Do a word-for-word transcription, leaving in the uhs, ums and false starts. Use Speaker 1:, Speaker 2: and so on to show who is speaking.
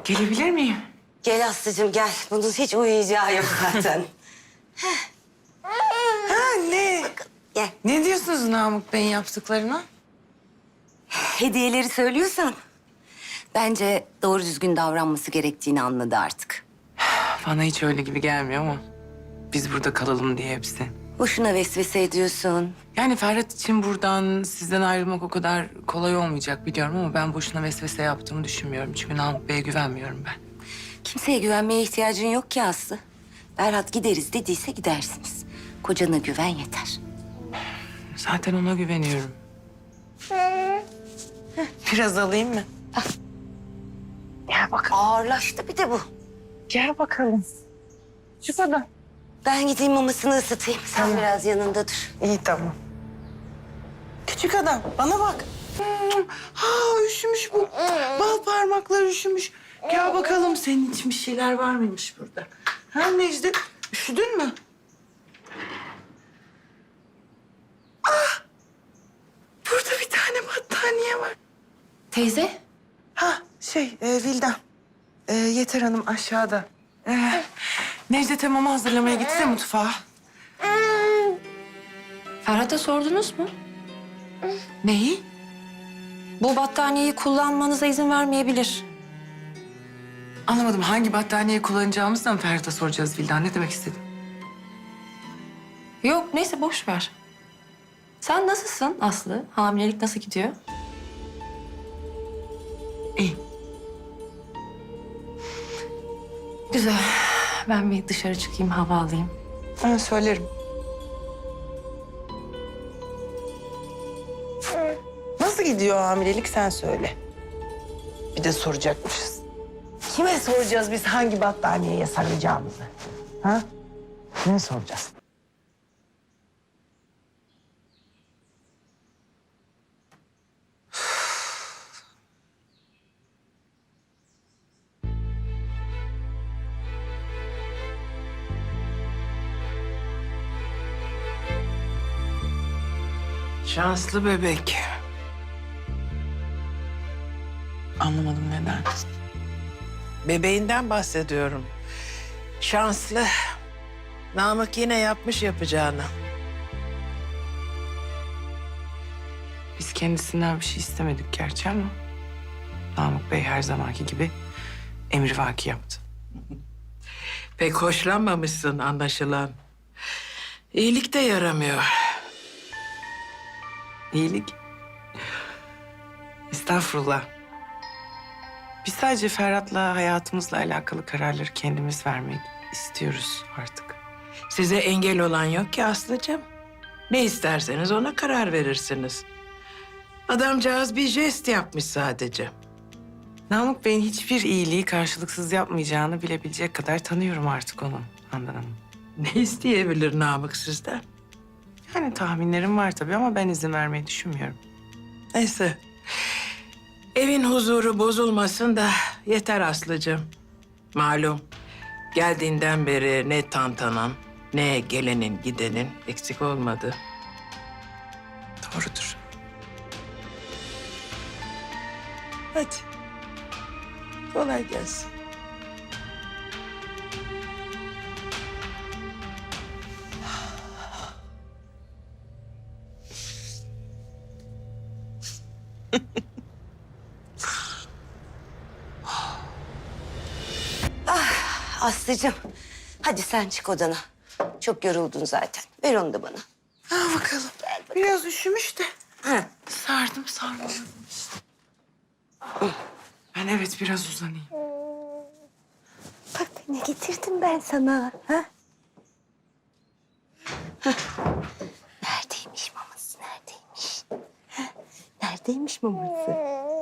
Speaker 1: Gelebilir miyim?
Speaker 2: Gel Aslı'cığım gel. Bunun hiç uyuyacağı yok zaten.
Speaker 1: Ha ne?
Speaker 2: Gel.
Speaker 1: Ne diyorsunuz Namık Bey'in yaptıklarına?
Speaker 2: Hediyeleri söylüyorsan... bence doğru düzgün davranması gerektiğini anladı artık.
Speaker 1: Bana hiç öyle gibi gelmiyor ama biz burada kalalım diye hepsi.
Speaker 2: Boşuna vesvese ediyorsun.
Speaker 1: Yani Ferhat için buradan sizden ayrılmak o kadar kolay olmayacak biliyorum ama ben boşuna vesvese yaptığımı düşünmüyorum. Çünkü Namık Bey'e güvenmiyorum ben.
Speaker 2: Kimseye güvenmeye ihtiyacın yok ki Aslı. Ferhat gideriz dediyse gidersiniz. Kocana güven yeter.
Speaker 1: Zaten ona güveniyorum. Biraz alayım mı? Gel bakalım.
Speaker 2: Ağırlaştı bir de bu.
Speaker 1: Gel bakalım. Şu kadar.
Speaker 2: Ben gideyim mamasını ısıtayım. Sen
Speaker 1: Tamam.
Speaker 2: biraz yanında dur.
Speaker 1: İyi tamam. Küçük adam bana bak. Hmm, Ha üşümüş bu. Bal parmaklar üşümüş. Gel bakalım senin için bir şeyler var mıymış burada? Ha Necdet üşüdün mü? Ah! Burada bir tane battaniye var.
Speaker 3: Teyze,
Speaker 1: Ha şey e, Vildan. E, Yeter Hanım aşağıda. E, Necdet'e mama hazırlamaya gitti de mutfağa.
Speaker 3: Ferhat'a sordunuz mu?
Speaker 1: Neyi?
Speaker 3: Bu battaniyeyi kullanmanıza izin vermeyebilir.
Speaker 1: Anlamadım. Hangi battaniyeyi kullanacağımızı da mı Ferhat'a soracağız Vildan? Ne demek istedin?
Speaker 3: Yok, neyse boş ver. Sen nasılsın Aslı? Hamilelik nasıl gidiyor?
Speaker 1: İyi.
Speaker 3: Güzel. Ben bir dışarı çıkayım, hava alayım.
Speaker 1: Ben söylerim. Nasıl gidiyor hamilelik sen söyle. Bir de soracakmışız. Kime soracağız biz hangi battaniyeye saracağımızı? Ha? Kime soracağız? Şanslı bebek. Anlamadım neden.
Speaker 4: Bebeğinden bahsediyorum. Şanslı. Namık yine yapmış yapacağını.
Speaker 1: Biz kendisinden bir şey istemedik gerçi ama... Namık Bey her zamanki gibi emrivaki yaptı.
Speaker 4: Pek hoşlanmamışsın anlaşılan. İyilik de yaramıyor.
Speaker 1: İyilik. Estağfurullah. Biz sadece Ferhat'la hayatımızla alakalı kararları kendimiz vermek istiyoruz artık.
Speaker 4: Size engel olan yok ki Aslı'cığım. Ne isterseniz ona karar verirsiniz. Adamcağız bir jest yapmış sadece.
Speaker 1: Namık Bey'in hiçbir iyiliği karşılıksız yapmayacağını bilebilecek kadar tanıyorum artık onu Handan Hanım.
Speaker 4: Ne isteyebilir Namık sizden?
Speaker 1: Yani tahminlerim var tabii ama ben izin vermeyi düşünmüyorum.
Speaker 4: Neyse. Evin huzuru bozulmasın da yeter Aslı'cığım. Malum geldiğinden beri ne tantanan ne gelenin gidenin eksik olmadı.
Speaker 1: Doğrudur.
Speaker 4: Hadi. Kolay gelsin.
Speaker 2: Aslı'cığım hadi sen çık odana. Çok yoruldun zaten. Ver onu da bana.
Speaker 1: Ha bakalım. Biraz üşümüş de.
Speaker 2: Ha.
Speaker 1: Sardım sarmaladım işte. Ben evet biraz uzanayım.
Speaker 2: Bak ne getirdim ben sana. Ha? Hah. Neredeymiş maması? Neredeymiş? Ha? Neredeymiş maması?